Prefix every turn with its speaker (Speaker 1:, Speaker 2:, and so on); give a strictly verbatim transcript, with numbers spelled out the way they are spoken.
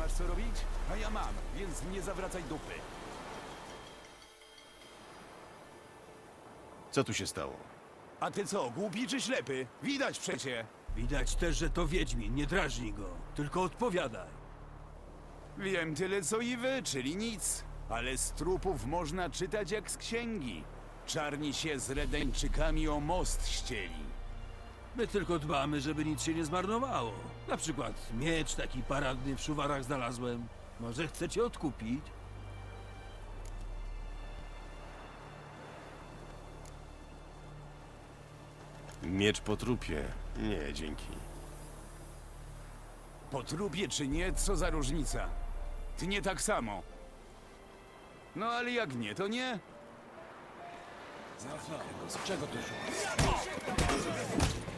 Speaker 1: masz co robić? A ja mam, więc nie zawracaj dupy.
Speaker 2: Co tu się stało?
Speaker 1: A ty co, głupi czy ślepy? Widać przecie.
Speaker 3: Widać też, że to Wiedźmin, nie drażnij go, tylko odpowiadaj.
Speaker 1: Wiem tyle co i wy, czyli nic. Ale z trupów można czytać jak z księgi. Czarni się z Redańczykami o most ścieli.
Speaker 3: My tylko dbamy, żeby nic się nie zmarnowało. Na przykład miecz taki paradny w szuwarach znalazłem. Może chcecie odkupić?
Speaker 2: Miecz po trupie. Nie, dzięki.
Speaker 1: Po trupie czy nie, co za różnica? Ty nie tak samo. No ale jak nie, to nie.
Speaker 3: Z czego to się?